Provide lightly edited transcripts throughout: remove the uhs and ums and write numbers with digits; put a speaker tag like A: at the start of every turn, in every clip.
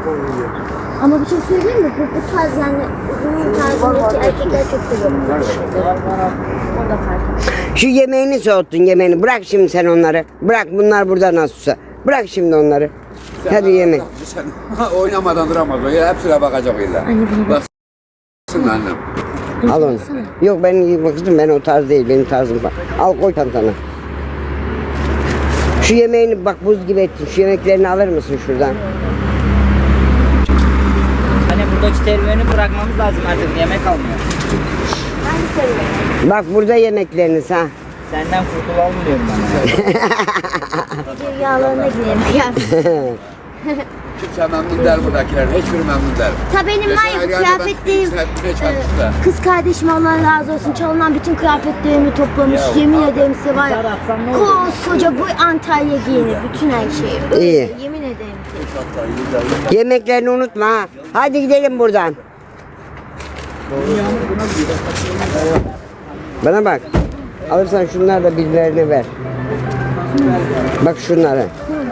A: Ama bir şey söyleyeyim mi? Bu tarz yani uzun tarzındaki erkekler çok seviyor. O da fark etmiyor.
B: Şu yemeğini soğuttun, yemeğini. Bırak şimdi sen onları. Bırak, bunlar burada nasılsa. Bırak şimdi onları. Hadi yemek.
C: Sen oynamadan duramaz. O hepsine bakacak illa. Baksın annem.
B: Al onu. Yok ben bakıyorum, ben o tarz değil, benim tarzım var. Al koy çantana. Şu yemeğini bak buz gibi ettin. Şu yemeklerini alır mısın şuradan?
D: Hani buradaki serüveni bırakmamız lazım artık. Yemek almıyor.
A: Ben seviyorum.
B: Bak burada yemekleriniz ha.
D: Senden kurtulalım diyorum ben.
A: Rüyalarına girelim ya.
C: Kimse memnun der buradakiler. Hiçbiri memnun der.
A: Ta benim var ya bu kıyafetlerim, kız kardeşim Allah razı olsun çalınan bütün kıyafetlerimi toplamış. Yemin ederim size var ya, koskoca bu Antalya giyinir bütün her şeyi.
B: İyi.
A: Yemin ederim ki.
B: Yemeklerini unutma ha. Hadi gidelim buradan. Bana bak. Alırsan şunları da birilerine ver. Bak şunları.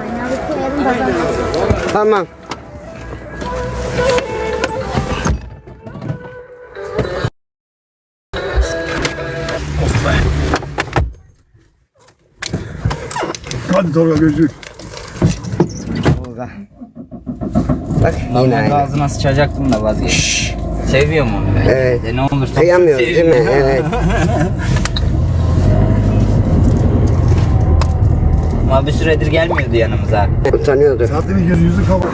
B: Tamam.
E: Hadi Tolga gözlük.
B: Tolga. Bak yine
D: Normalde
B: aynı.
D: ağzına sıçacaktım da vazgeçtim. Seviyorum onu ben.
B: Evet.
D: Ne olursa
B: Kıyamıyoruz değil mi? Evet.
D: Ama bir süredir gelmiyordu yanımıza.
B: Utanıyordu.
E: Zaten yüzü kapalı.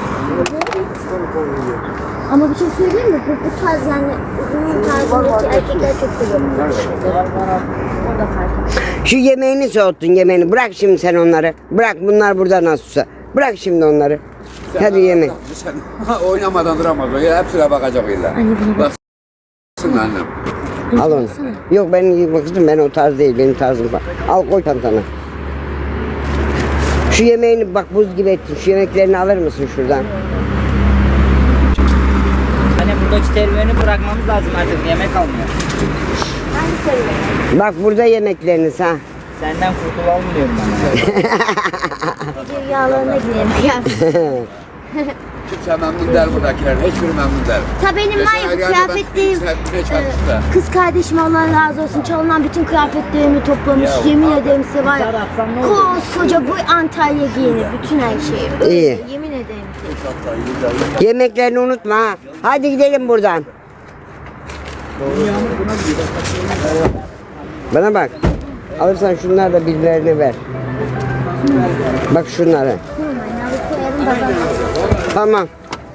A: Ama bir şey söyleyeyim mi? Bu tarz yani uzun tarzındaki erkekler çok seviyor. O da fark etmiyor.
B: Şu yemeğini soğuttun, yemeğini. Bırak şimdi sen onları. Bırak, bunlar burada nasılsa. Bırak şimdi onları. Hadi yemek.
C: Sen oynamadan duramaz. O hepsine bakacak illa. Baksın annem.
B: Al onu. Yok ben bakıyorum, ben o tarz değil, benim tarzım var. Al koy çantana. Şu yemeğini bak buz gibi ettin. Şu yemeklerini alır mısın şuradan?
D: Hani buradaki serüveni bırakmamız lazım artık. Yemek almıyor.
A: Ben seviyorum.
B: Bak burada yemekleriniz ha.
D: Senden kurtulalım diyorum ben.
A: Rüyalarına girelim ya.
C: Kimse memnun der buradakiler. Hiçbiri memnun der.
A: Ta benim var ya bu kıyafetlerim, kız kardeşim Allah razı olsun çalınan bütün kıyafetlerimi toplamış. Yemin ederim size var ya, koskoca bu Antalya giyinir bütün her şeyi.
B: İyi.
A: Yemin ederim ki.
B: Yemeklerini unutma ha. Hadi gidelim buradan. Bana bak. Alırsan şunları da birilerine ver. Bak şunları. Tamam.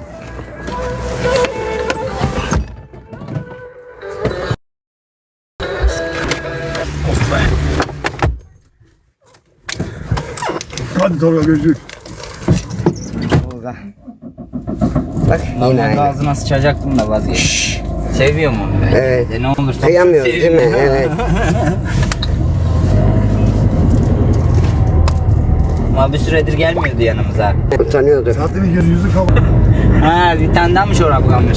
E: Hadi Tolga gözlük.
B: Tolga. Bak yine
D: Normalde
B: aynı.
D: ağzına sıçacaktım da vazgeçtim. Seviyorum onu ben.
B: Evet.
D: Ne olursa
B: Kıyamıyoruz değil mi? Evet.
D: Ama bir süredir gelmiyordu yanımıza.
B: Utanıyordu.
E: Zaten yüzü kapalı.
D: Ha bir tane daha mı çorap kalmış?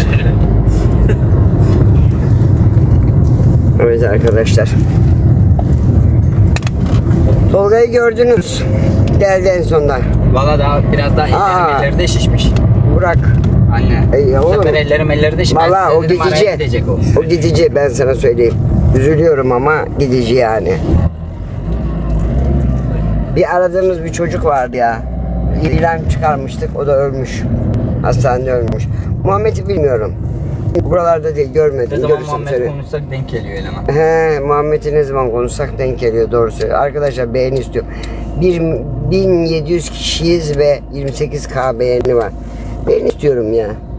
B: Evet arkadaşlar. Tolga'yı gördünüz. Geldi en sonunda.
D: Valla daha biraz daha elleri de şişmiş.
B: Burak.
D: Anne.
B: Ya
D: Bu
B: oğlum.
D: sefer ellerim de şişmiş.
B: Valla o gidici.
D: Gidecek o.
B: O gidici, ben sana söyleyeyim. Üzülüyorum ama gidici yani. Bir aradığımız bir çocuk vardı ya. İlan çıkarmıştık, o da ölmüş. Hastanede ölmüş. Muhammed'i bilmiyorum. Buralarda değil, görmedim.
D: Ne zaman
B: Görürsem
D: Muhammed
B: seni.
D: konuşsak denk geliyor eleman.
B: He, Muhammed'i ne zaman konuşsak denk geliyor, doğru söylüyor. Arkadaşlar beğeni istiyorum. 1700 kişiyiz ve 28K beğeni var. Beğeni istiyorum ya.